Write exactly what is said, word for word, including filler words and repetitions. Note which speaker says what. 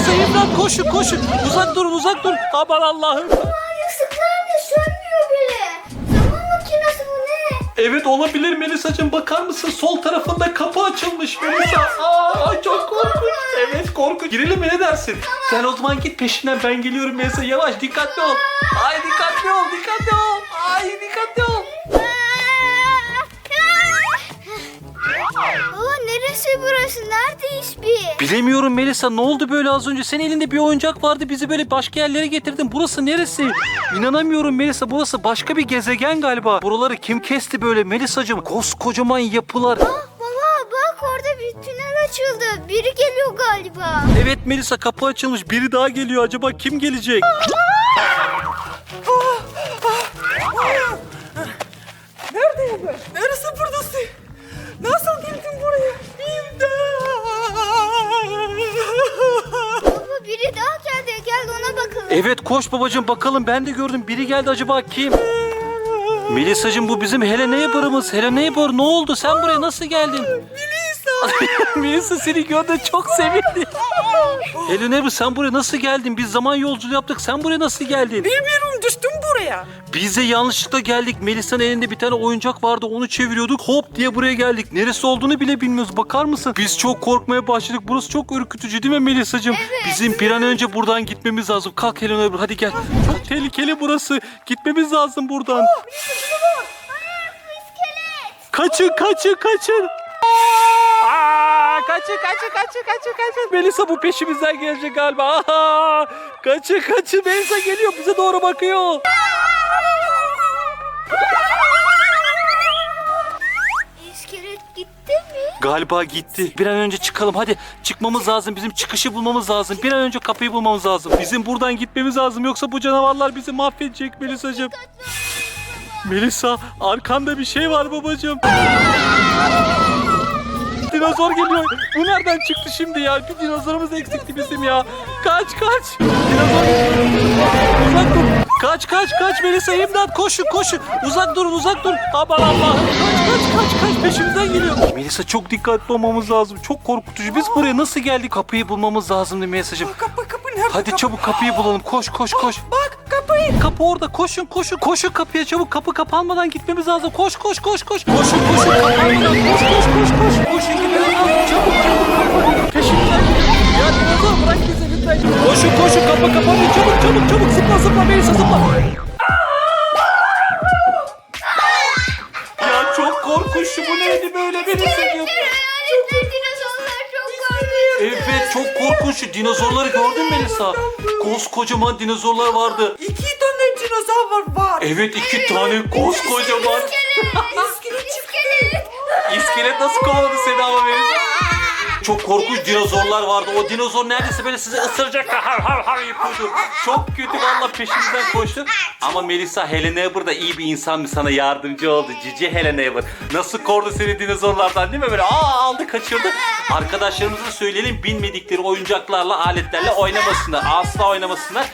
Speaker 1: Melisa imdat koşun koşun. Uzak durun uzak durun. Aman Allah'ım.
Speaker 2: Yasıklar ne sönmüyor bile. Zaman makinesi bu ne?
Speaker 1: Evet olabilir Melisa'cığım, bakar mısın? Sol tarafında kapı açılmış Melisa. Aa, ay çok korkunç. Evet korkunç. Girelim mi, ne dersin? Sen o zaman git peşinden, ben geliyorum Melisa. Yavaş, dikkatli ol. Ay dikkatli ol, dikkatli ol. Ay dikkatli ol.
Speaker 2: Baba neresi burası? Neredeyiz biz?
Speaker 1: Bilemiyorum Melisa, ne oldu böyle az önce? Senin elinde bir oyuncak vardı, bizi böyle başka yerlere getirdin. Burası neresi? İnanamıyorum Melisa, burası başka bir gezegen galiba. Buraları kim kesti böyle Melisa'cığım? Koskocaman yapılar.
Speaker 2: Ah baba bak orada bir tünel açıldı. Biri geliyor galiba.
Speaker 1: Evet Melisa, kapı açılmış, biri daha geliyor. Acaba kim gelecek?
Speaker 3: Neredeyim ben? Neresi buradasın? Nasıl geldin buraya? İmdat!
Speaker 2: Baba biri daha geldi. Gel ona bakalım.
Speaker 1: Evet koş babacığım, bakalım, ben de gördüm. Biri geldi, acaba kim? Melisa'cığım bu bizim Hello Neighbor'ımız. Hello Neighbor, ne oldu? Sen buraya nasıl geldin?
Speaker 3: Melisa!
Speaker 1: Melisa seni gördü, çok sevindi. Hello Neighbor, sen buraya nasıl geldin? Biz zaman yolculuğu yaptık. Sen buraya nasıl geldin?
Speaker 3: Bilmiyorum, düştüm buraya.
Speaker 1: Biz de yanlışlıkla geldik. Melisa'nın elinde bir tane oyuncak vardı. Onu çeviriyorduk. Hop diye buraya geldik. Neresi olduğunu bile bilmiyoruz. Bakar mısın? Biz çok korkmaya başladık. Burası çok ürkütücü değil mi Melisa'cığım? Bizim bir an önce buradan gitmemiz lazım. Kalk Hello Neighbor, hadi gel. Çok tehlikeli burası. Gitmemiz lazım buradan. Kaçın kaçın kaçın. Aa, kaçın kaçın kaçın kaçın kaçın. Melisa bu peşimizden gelecek galiba. Aha, kaçın kaçın. Melisa geliyor, bize doğru bakıyor.
Speaker 2: İskelet gitti mi?
Speaker 1: Galiba gitti. Bir an önce çıkalım hadi. Çıkmamız lazım. Bizim çıkışı bulmamız lazım. Bir an önce kapıyı bulmamız lazım. Bizim buradan gitmemiz lazım. Yoksa bu canavarlar bizi mahvedecek Melisa'cığım. Melisa, arkanda bir şey var babacığım. Dinozor geliyor. Bu nereden çıktı şimdi ya? Bir dinozorumuz eksikti bizim ya. Kaç kaç. Dinozor geliyor. Uzak dur. Kaç kaç kaç Melisa, imdat, koşun koşun. Uzak durun uzak durun. Aman Allah'ım. Kaç kaç kaç kaç, peşimizden geliyor. Melisa çok dikkatli olmamız lazım. Çok korkutucu. Biz buraya nasıl geldik? Kapıyı bulmamız lazımdı Melisa'cığım.
Speaker 3: Kapı kapı nerede?
Speaker 1: Hadi
Speaker 3: kapı?
Speaker 1: çabuk kapıyı bulalım. Koş koş koş.
Speaker 3: Bak kapıyı.
Speaker 1: Kapı orada. Koşun koşun. Koşun kapıya çabuk. Kapı kapanmadan gitmemiz lazım. Koş koş koş koş. Koşun koşun. Kapanmadan koş koş koş koş. Koşun gidelim. Çabuk çabuk. Peşimizden gidelim. Ya dinozor bırak bizi lütfen. Koşun koşun. Kapı kapanıyor. Çabuk çabuk çabuk. Zıpla zıpla Melisa zıpla. Ya çok korkunç. Bu neydi böyle Melisa?
Speaker 2: Hayaletler, dinozorlar çok korkunç.
Speaker 1: Evet çok korkunç. Şu dinozorları gördün mü Melisa? Koskocaman dinozorlar vardı.
Speaker 3: İki tane dinozor var.
Speaker 1: Evet iki tane koskocaman.
Speaker 3: İskelet çıktı.
Speaker 1: İskelet nasıl kovaladı seni ama Melisa? Çok korkunç dinozorlar vardı. O dinozor neredeyse böyle sizi ısıracak. Har har har yapıyordu. Çok kötü valla, peşimizden koştu. Ama Melisa, Hello Neighbor da iyi bir insan mı, sana yardımcı oldu. Cici Hello Neighbor. Nasıl kordu seni dinozorlardan değil mi? Böyle aa aldı kaçırdı. Arkadaşlarımıza söyleyelim, bilmedikleri oyuncaklarla, aletlerle oynamasınlar. Asla oynamasınlar.